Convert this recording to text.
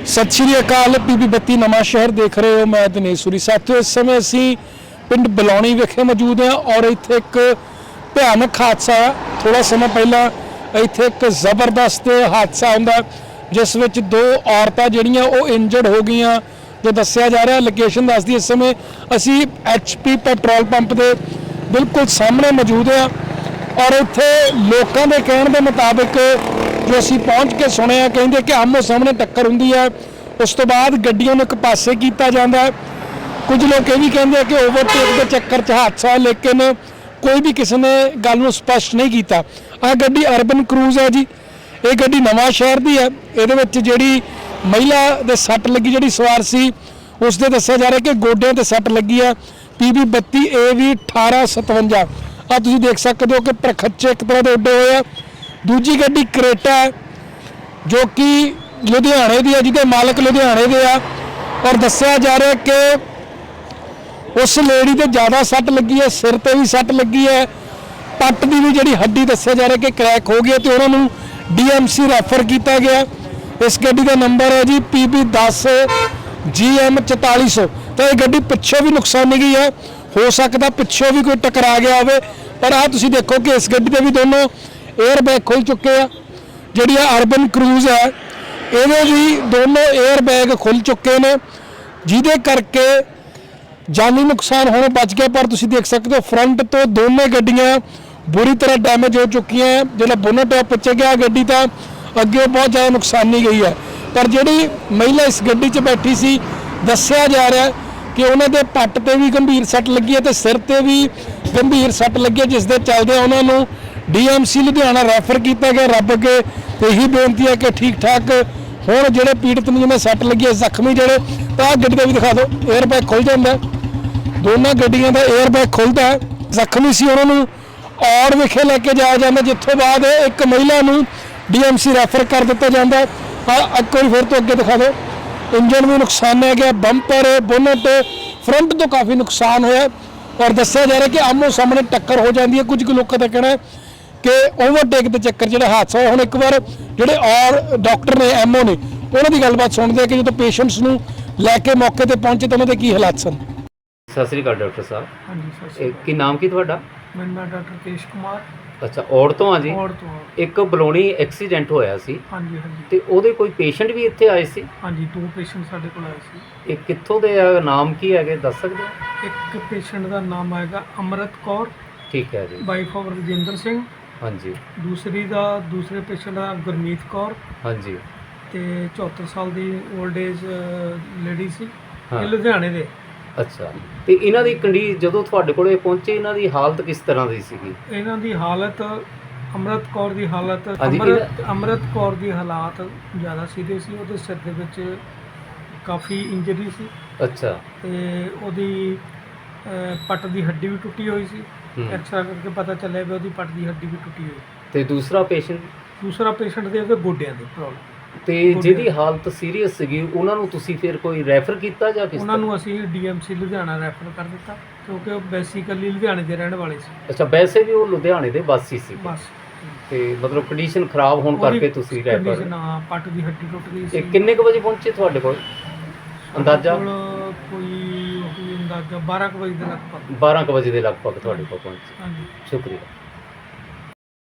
सत श्री अकाल। PB 32 नवा शहर देख रहे हो, मैं दिनेश सूरी। साथियों, इस समय असी पिंड बलौनी विखे मौजूद हैं और इत्थे एक भयानक हादसा है। थोड़ा समय पहला इत्थे एक जबरदस्त हादसा हुंदा जिस विच दो औरतां जिहड़ियां वो इंजर्ड हो गई जो दस्सिया जा रहा। लोकेशन दसदी इस समय असी HP पेट्रोल पंप के बिल्कुल सामने मौजूद हैं और इत्थे लोगों के कहने के मुताबिक जो असी पहुँच के सुने कहिंदे कि आमो सामने टक्कर हुंदी है, उस तो बाद गड्डियों नूं एक पासे कीता जांदा है। कुछ लोग ये भी कहते हैं कि ओवरटेक के चक्कर च हादसा है, लेकिन कोई भी किसी ने गल नूं स्पष्ट नहीं किया। आ गड्डी अर्बन क्रूज है जी, ये गड्डी नवा शहर की है। ये जिहड़ी महिला दे सट लगी, जिहड़ी सवार सी, उसदे दस्सिया जा रहा कि गोडियां ते सट लगी है। PB 32 AV 1857 आ तुसीं देख सकते हो कि प्रखच्चे एक तरह के उड्डे हुए हैं। दूजी गड्डी क्रेटा है जो कि लुधियाने की है, जिहदे मालक लुधियाने के आ और दस्सिया जा रहा कि उस लेडी ते ज़्यादा सट लगी है, सिर ते भी सट लगी है, पट की भी जिहड़ी हड्डी दस्सिया जा रहा कि क्रैक हो गई है, तो उन्होंने DMC रैफर किया गया। इस गड्डी का नंबर है जी PB 10 GM 4400। तो ये गड्डी पिछों भी नुकसानी गई है, हो सकता पिछों भी कोई टकरा गया हो। पर आ तुसीं देखो कि इस गड्डी के भी दोनों एयर बैग खुल चुके हैं। जिहड़ी अर्बन क्रूज है ये भी दोनों एयर बैग खुल चुके हैं, जिहदे करके जानी नुकसान होने बच गया। पर तुसीं देख सकते हो फ्रंट तो दोनों गड्डियां बुरी तरह डैमेज हो चुकी हैं। जो बोनट है पिछे गया गड्डी तो अगे बहुत ज़्यादा नुकसानी गई है। पर जिहड़ी महिला इस गड्डी 'च बैठी सी, दस्सिया जा रहा है कि उन्होंने पट ते भी गंभीर सट लगी है तो सिर ते भी गंभीर सट लगी है, जिस दे चलदे उन्होंने DMC लुधियाना रैफर किया गया। रब अगे यही बेनती है कि ठीक ठाक होण जिहड़े पीड़ित ने जिन्हें सट लगी है, जख्मी जिहड़े, तो आ गड्डी का भी दिखा दो, एयर बैग खुल जाता है। दोनों गड्डियों का एयर बैग खुलता है। जख्मी सी उन्होंने और विखे लैके जाया जाता, जितों बाद एक महिला नूं DMC रैफर कर दिता जाता है। एक बार फिर तो अगे दिखा दो, इंजन भी नुकसान है गया, बंपर बोनट फ्रंट तो काफ़ी नुकसान होया और दस्सिया जा रहा है कि आमो सामने टक्कर हो जाती है। कुछ लोगों का कहना है कि ओवरटेक के चक्कर जो हादसा होया। हुण एक बार जोड़े और डॉक्टर ने MO ने उन्होंने गलबात सुनते हैं कि जो पेशेंट्स नूं लैके मौके पर पहुंचे तो उन्होंने की हालात सन। सत श्री अकाल डॉक्टर साहब। हाँ जी, सत श्री अकाल। की नाम की तुहाडा? मेरा नाम डॉक्टर केश कुमार। अच्छा, ਔੜ ਤੋਂ ਆ ਜੀ? ਔੜ ਤੋਂ। ਇੱਕ ਬਲੌਣੀ ਐਕਸੀਡੈਂਟ ਹੋਇਆ ਸੀ ਹਾਂਜੀ ਹਾਂਜੀ। ਤੇ ਉਹਦੇ ਕੋਈ ਪੇਸ਼ੈਂਟ ਵੀ ਇੱਥੇ ਆਏ ਸੀ? ਹਾਂਜੀ, 2 ਪੇਸ਼ੈਂਟ ਸਾਡੇ ਕੋਲ ਆਏ ਸੀ। ਇਹ ਕਿੱਥੋਂ ਦੇ ਆ, ਨਾਮ ਕੀ ਹੈਗੇ ਦੱਸ ਸਕਦੇ ਹੋ? ਇੱਕ ਪੇਸ਼ੈਂਟ ਦਾ ਨਾਮ ਆਏਗਾ ਅਮਰਤ ਕੌਰ, ਠੀਕ ਹੈ ਜੀ। Wife of Rajinder Singh. ਹਾਂਜੀ ਦੂਸਰੇ ਪੇਸ਼ੈਂਟ ਦਾ ਗੁਰਮੀਤ ਕੌਰ ਹਾਂਜੀ ਤੇ 74 ਸਾਲ ਦੀ 올ਡ ਏਜ ਲੇਡੀ ਸੀ। ਹਾਂ। ਇਹ ਲੁਧਿਆਣੇ ਦੇ। ਅੱਛਾ, ਤੇ ਇਹਨਾਂ ਦੀ ਜਦੋਂ ਤੁਹਾਡੇ ਕੋਲੇ ਪਹੁੰਚੇ ਇਹਨਾਂ ਦੀ ਹਾਲਤ ਕਿਸ ਤਰ੍ਹਾਂ ਦੀ ਸੀਗੀ? ਇਹਨਾਂ ਦੀ ਹਾਲਤ, ਅਮਰਤ ਕੌਰ ਦੀ ਹਾਲਤ, ਹਾਂਜੀ, ਅਮਰਤ ਕੌਰ ਦੀ ਹਾਲਾਤ ਜ਼ਿਆਦਾ ਸੀਰੀਅਸ ਸੀ। ਉਹਦੇ ਸਿਰ ਦੇ ਵਿੱਚ ਕਾਫੀ ਇੰਜਰੀ ਸੀ। ਅੱਛਾ। ਤੇ ਉਹਦੀ ਪੱਟ ਦੀ ਹੱਡੀ ਵੀ ਟੁੱਟੀ ਹੋਈ ਸੀ। ਐਕਸਰਾ ਕਰਕੇ ਪਤਾ ਚੱਲਿਆ ਵੀ ਉਹਦੀ ਪੱਟ ਦੀ ਹੱਡੀ ਵੀ ਟੁੱਟੀ ਹੋਈ। ਤੇ ਦੂਸਰਾ ਪੇਸ਼ੈਂਟ ਦੇ ਉਹਦੇ ਗੋਡਿਆਂ ਦੀ ਪ੍ਰੋਬਲਮ। ਤੇ ਜਿਹਦੀ ਹਾਲਤ ਸੀਰੀਅਸ ਸੀਗੀ ਉਹਨਾਂ ਨੂੰ ਤੁਸੀਂ ਫਿਰ ਕੋਈ ਰੈਫਰ ਕੀਤਾ ਜਾਂ ਕਿਸ? ਉਹਨਾਂ ਨੂੰ ਅਸੀਂ DMC ਲੁਧਿਆਣਾ ਰੈਫਰ ਕਰ ਦਿੱਤਾ ਕਿਉਂਕਿ ਉਹ ਬੇਸਿਕਲੀ ਲੁਧਿਆਣੇ ਦੇ ਰਹਿਣ ਵਾਲੇ ਸੀ। ਅੱਛਾ, ਵੈਸੇ ਵੀ ਉਹ ਲੁਧਿਆਣੇ ਦੇ ਵਾਸੀ ਸੀ ਬਸ। ਤੇ ਮਤਲਬ ਕੰਡੀਸ਼ਨ ਖਰਾਬ ਹੋਣ ਕਰਕੇ ਤੁਸੀਂ ਰੈਫਰ? ਕੰਡੀਸ਼ਨ, ਹਾਂ, ਪੱਟ ਦੀ ਹੱਡੀ ਟੁੱਟ ਗਈ ਸੀ। ਇਹ ਕਿੰਨੇ ਕੁ ਵਜੇ ਪਹੁੰਚੇ ਤੁਹਾਡੇ ਕੋਲ ਅੰਦਾਜ਼ਾ? ਕੋਈ ਅੰਦਾਜ਼ਾ 12 ਕੁ ਵਜੇ ਦੇ ਲਗਭਗ। 12 ਕੁ ਵਜੇ ਦੇ ਲਗਭਗ ਤੁਹਾਡੇ ਕੋਲ ਪਹੁੰਚੇ। ਹਾਂਜੀ, ਸ਼ੁਕਰੀਆ।